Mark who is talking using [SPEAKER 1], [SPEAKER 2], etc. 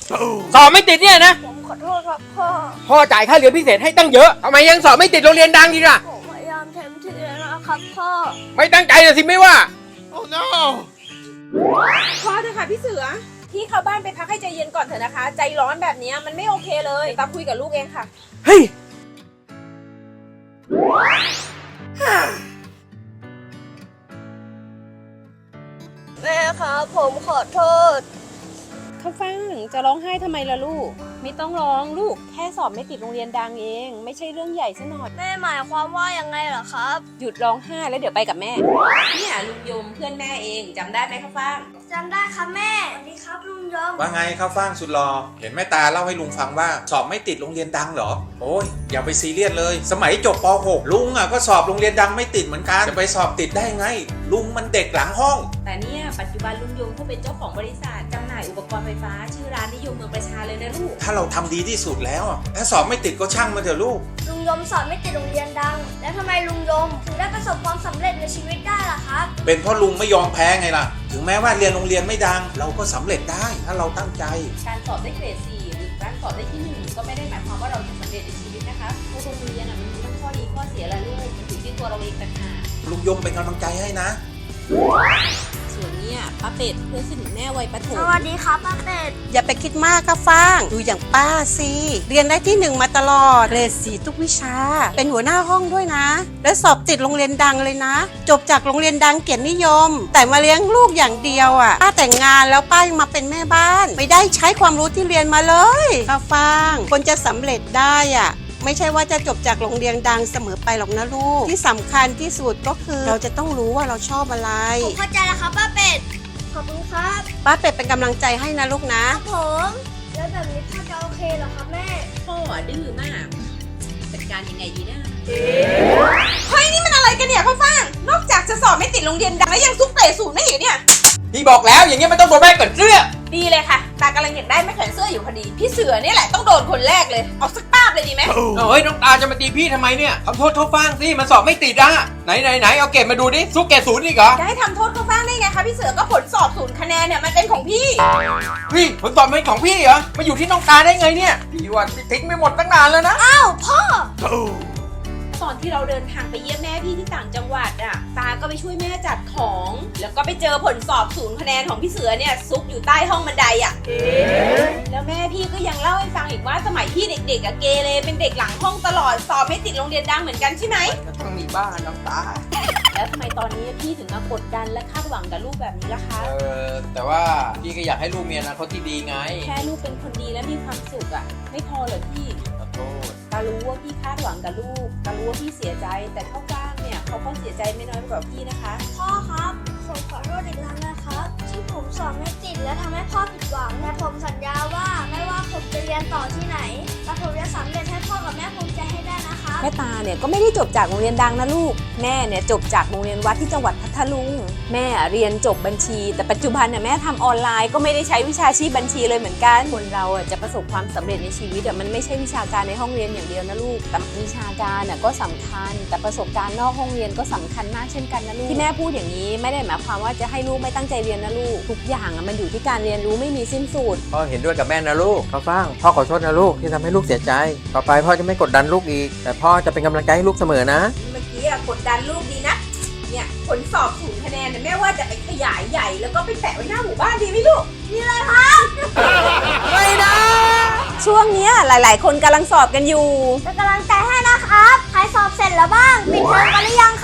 [SPEAKER 1] สอบไม่ติดเนี่ยนะ
[SPEAKER 2] ผมขอโทษครับพ่อ
[SPEAKER 1] พ่อจ่ายค่าเรียนพิเศษให้ตั้งเยอะทำไมยังสอบไม่ติดโรงเรียนดังอีกล่ะ
[SPEAKER 2] ผมพยายามเต็มที่แล้วนะครับพ่อ
[SPEAKER 1] ไม่ตั้งใจเลยสิไม่ว่า
[SPEAKER 3] Oh no
[SPEAKER 4] พอเถอะค่ะพี่เสือพี่เข้าบ้านไปพักให้ใจเย็นก่อนเถอะนะคะใจร้อนแบบนี้มันไม่โอเคเลยตามคุยกับลูกเองค่ะ
[SPEAKER 1] เฮ้ย
[SPEAKER 2] แม่ครับผมขอโทษ
[SPEAKER 4] ข้าวฟ่างจะร้องไห้ทำไมล่ะลูกไม่ต้องร้องลูกแค่สอบไม่ติดโรงเรียนดังเองไม่ใช่เรื่องใหญ่ซะหน่อย
[SPEAKER 2] แม่หมายความว่ายังไงเหรอครับ
[SPEAKER 4] หยุดร้องไห้แล้วเดี๋ยวไปกับแม่เนี่ยลุงยมเพื่อนแม่เองจำได้ไหมข้าวฟ่าง
[SPEAKER 2] จำได้ครับแม่สวัสดีครับลุงยม
[SPEAKER 3] ว่าไงข้าวฟ่างสุดหล่อเห็นแม่ตาเล่าให้ลุงฟังว่าสอบไม่ติดโรงเรียนดังเหรอโอ้ยอย่าไปซีเรียสเลยสมัยจบป .6 ลุงอ่ะก็สอบโรงเรียนดังไม่ติดเหมือนกันจะไปสอบติดได้ไงลุงมันเด็กหลังห้อง
[SPEAKER 4] แต่เนี่ยปัจจุบันลุงยมเขาเป็นเจ้าของบริษัทจำหน่ายอุปกรณ์ไฟฟ้าชื่อร้านนิยมเมืองประชาเลยนะลูก
[SPEAKER 3] ถ้าเราทำดีที่สุดแล้วถ้าสอบไม่ติดก็ช่างมันเถอะลูก
[SPEAKER 2] ลุงยมสอบไม่ติดโรงเรียนดังแล้วทำไมลุงยมถึงได้ประสบความสำเร็จในชีวิตได้ล่ะครับ
[SPEAKER 3] เป็นเพราะลุงไม่ยอมแพ้ไงล่ะถึงแม้ว่าเรียนโรงเรียนไม่ดังเราก็สำเร็จได้ถ้าเราตั้งใจ
[SPEAKER 4] การสอบได้เกรด 4 หรือการสอบได้ที่ 1ก็ไม่ได้หมายความว่าเราจะสำเร็จในชีวิตนะคะเพราะโรงเรียนมันมีทั้งข้อดีข้อเสียและลูกมันอยู่ที่ตัวเราเองต่างหาก
[SPEAKER 3] ลุงยมเป็นกำลังใจให้นะ
[SPEAKER 4] ส่วนเนี่ยป้าเป็ดเพื่อนสนิทแม่วัยประถม
[SPEAKER 2] สวัสดีครับป้าเป็ด
[SPEAKER 5] อย่าไปคิดมากค่ะฟางดูอย่างป้าสิเรียนได้ที่ 1มาตลอดเกรด 4ทุกวิชาเป็นหัวหน้าห้องด้วยนะและสอบติดโรงเรียนดังเลยนะจบจากโรงเรียนดังเกียรตินิยมแต่มาเลี้ยงลูกอย่างเดียวป้าแต่งงานแล้วป้ายังมาเป็นแม่บ้านไม่ได้ใช้ความรู้ที่เรียนมาเลยค่ะฟางคนจะสำเร็จได้ไม่ใช่ว่าจะจบจากโรงเรียนดังเสมอไปหรอกนะลูกที่สำคัญที่สุดก็คือเราจะต้องรู้ว่าเราชอบอะไร
[SPEAKER 2] ผมเข้าใจแล้วครับป้าเป็ดขอบคุณครับ
[SPEAKER 5] ป้าเป็ดเป็นกำลังใจให้นะลูกนะครับ
[SPEAKER 2] ผมแล้วแบบนี้พ่อจะโอเคเหรอครับแม่
[SPEAKER 4] พ่อดื้อมากจัดการยังไงดีนะเฮ้ยนี่มันอะไรกันเนี่ยข้าวฟ่างนอกจากจะสอบไม่ติดโรงเรียนดังแล้วยังซุกเตะศูนย์ไม่เห็นเนี่ย
[SPEAKER 1] พี่บอกแล้วอย่างเงี้ยมันต้องโดนแม่เกิดเสื้อ
[SPEAKER 4] ดีเลยค่ะตากำลังอยากได้แม่แขวนเสื้ออยู่พอดีพี่เสือนี่แหละต้องโดนคนแรกเลยเอาสักป้าบเลยดีไหม
[SPEAKER 1] เฮ้ยน้องตาจะมาตีพี่ทำไมเนี่ยทำโทษเขาฟังสิมันสอบไม่ติดไหนเอาเกรดมาดูดิซุกเกรด 0อีกเหรอ
[SPEAKER 4] จะให้ทำโทษข้าวฟ่างได้ไงคะพี่เสือก็ผลสอบ0คะแนนเนี่ยมันเป็นของพี่
[SPEAKER 1] ผลสอบเป็นของพี่เหรอมาอยู่ที่น้องตาได้ไงเนี่ยพี่ว่าพี่ทิ้งไปหมดตั้งนานแล้วนะ
[SPEAKER 2] อ้าวพ่อ
[SPEAKER 4] ตอนที่เราเดินทางไปเยี่ยมแม่พี่ที่ต่างจังหวัดตาก็ไปช่วยแม่จัดของแล้วก็ไปเจอผลสอบ0คะแนนของพี่เสือเนี่ยซุกอยู่ใต้ห้องบันไดแล้วแม่พี่ก็ยังเล่าให้ฟังอีกว่าสมัยพี่เด็กๆเกเรเป็นเด็กหลังห้องตลอดสอบไม่ติดโรงเรียนดังเหมือนกันใช่ไหม
[SPEAKER 1] ก็ต้องมีบ้านน้องตา
[SPEAKER 4] แล้วทำไมตอนนี้พี่ถึงมากดดันและคาดหวังกับลูกแบบนี้ล่ะคะ
[SPEAKER 1] แต่ว่าพี่ก็อยากให้ลูกมีอนาคตที่ดีไง
[SPEAKER 4] แค่ลูกเป็นคนดีและมีความสุขไม่พอเหรอพี่ตารู้ว่าพี่คาดหวังกับลูกตารู้ว่าพี่เสียใจแต่ข้าวฟ่างเนี่ยเขาก็เสียใจไม่น้อยกว่าพี่นะคะ
[SPEAKER 2] พ่อครับผมขอโทษอีกครั้งนะครับที่ผมสอบไม่ติดและทำให้พ่อผิดหวังแต่ผมสัญญาว่าไม่ว่าผมจะเรียนต่อที่ไหนแต่ผมจะสำเร็จให้พ่อกับแม่ภูมิใจให้ได้นะคะ
[SPEAKER 4] แม่ตาเนี่ยก็ไม่ได้จบจากโรงเรียนดังนะลูกแม่เนี่ยจบจากโรงเรียนวัดที่จังหวัดพัทลุงแม่เรียนจบบัญชีแต่ปัจจุบันเนี่ยแม่ทำออนไลน์ก็ไม่ได้ใช้วิชาชีพบัญชีเลยเหมือนกันคนเราจะประสบความสำเร็จในชีวิตมันไม่ใช่วิชาการในห้องเรียนอย่างเดียวนะลูกแต่วิชาการก็สำคัญแต่ประสบการณ์นอกห้องเรียนก็สำคัญมากเช่นกันนะลูกที่แม่พูดอย่างนี้ไม่ได้หมายความว่าจะให้ลูกไม่ตั้งใจเรียนนะลูกทุกอย่างมันอยู่ที่การเรียนรู้ไม่มีสิ้นสุด
[SPEAKER 1] พ่อเห็นด้วยกับแม่นะลูกข้าวฟ่างพ่อขอโทษนะลูกที่ทำให้ลูกเสียใจต่อไปพ่อจะไม่กดดันลูกอีกแต่พ่อจะเป็นกำลังใจให้ลูกเสมอนะ
[SPEAKER 4] เมื่อกี้กดดันลูกดีนะเนี่ยผลสอบ0คะแนนเนี่ยแม่ว่าจะไปขยายใหญ่แล้วก็ไปแปะไว้หน้าหมู่บ้านดีไหมลูก
[SPEAKER 2] นี่เลยครับ
[SPEAKER 4] ไม่นะช่วงนี้หลายๆคนกำลังสอบกันอยู่
[SPEAKER 2] เป็นกำลังใจให้นะครับใครสอบเสร็จแล้วบ้างปิดเทอมกันหรือยัง